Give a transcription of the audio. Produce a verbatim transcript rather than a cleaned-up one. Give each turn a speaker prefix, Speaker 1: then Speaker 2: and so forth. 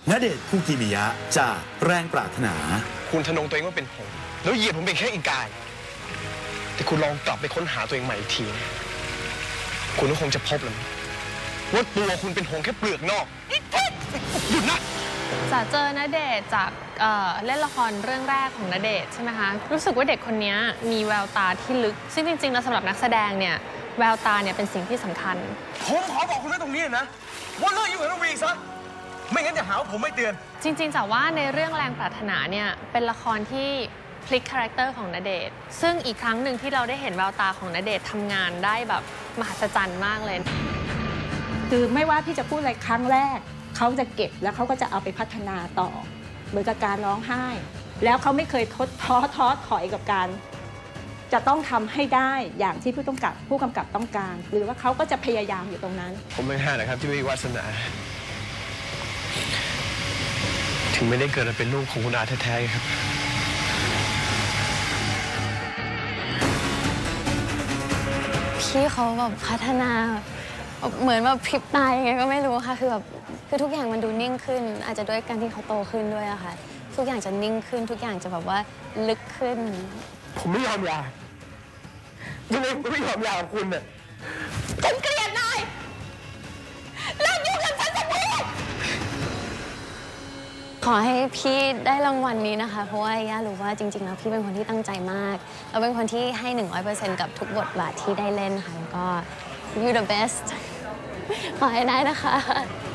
Speaker 1: ณเดชน์ คูกิมิยะจากแรงปรารถนา
Speaker 2: คุณทะนงตัวเองว่าเป็นหงส์แล้วเหยียบผมเป็นแค่อีกายแต่คุณลองกลับไปค้นหาตัวเองใหม่อีกทีคุณก็คงจะพบแล้วว่าตัวคุณเป็นหงส์แค่เปลือกนอกหยุดนะ
Speaker 3: จะเจอณเดชน์จากเอ่อเล่นละครเรื่องแรกของณเดชน์ใช่ไหมคะรู้สึกว่าเด็กคนนี้มีแววตาที่ลึกซึ่งจริงๆแล้วสำหรับนักแสดงเนี่ยแววตาเนี่ยเป็นสิ่งที่สำคัญ
Speaker 2: ผมขอบอกคุณไว้ตรงนี้นะว่าเลิกอยู่กับน้องวีซะไม่งั้นจะหาว่าผมไม่เตือน
Speaker 3: จริงๆจากว่าในเรื่องแรงปรารถนาเนี่ยเป็นละครที่พลิกคาแรคเตอร์ของณเดชน์ซึ่งอีกครั้งหนึ่งที่เราได้เห็นแววตาของณเดชน์ทำงานได้แบบมหัศจรรย์มากเลย
Speaker 4: คือไม่ว่าพี่จะพูดอะไรครั้งแรกเขาจะเก็บแล้วเขาก็จะเอาไปพัฒนาต่อเหมือนกับการร้องไห้แล้วเขาไม่เคยทดท้อท้อถอยกับการจะต้องทำให้ได้อย่างที่ผู้กำกับผู้กำกับต้องการหรือว่าเขาก็จะพยายามอยู่ตรงนั้น
Speaker 2: ผมไม่ห้านะครับที่ไม่มีวาสนาถึงไม่ได้เกิดมาเป็นลูกของคุณอาแท้ๆครับ
Speaker 5: พี่เขาแบบพัฒนาเหมือนแบบพริบตายังไงก็ไม่รู้ค่ะคือแบบคือทุกอย่างมันดูนิ่งขึ้นอาจจะด้วยการที่เขาโตขึ้นด้วยอะค่ะทุกอย่างจะนิ่งขึ้นทุกอย่างจะแบบว่าลึกขึ้น
Speaker 2: ผมไม่ยอมหย่ายังไงผมก็ไม่ยอมหย่ากับคุณน่ะ
Speaker 5: ฉันเกลียดนายเลิกยุ่งกับฉันสักทีขอให้พี่ได้รางวัลนี้นะคะเพราะว่าย่ารู้ว่าจริงๆแล้วพี่เป็นคนที่ตั้งใจมากแล้วเป็นคนที่ให้ หนึ่งร้อยเปอร์เซ็นต์ กับทุกบทบาทที่ได้เล่นค่ะแล้วก็ you the best ขอให้ได้นะคะ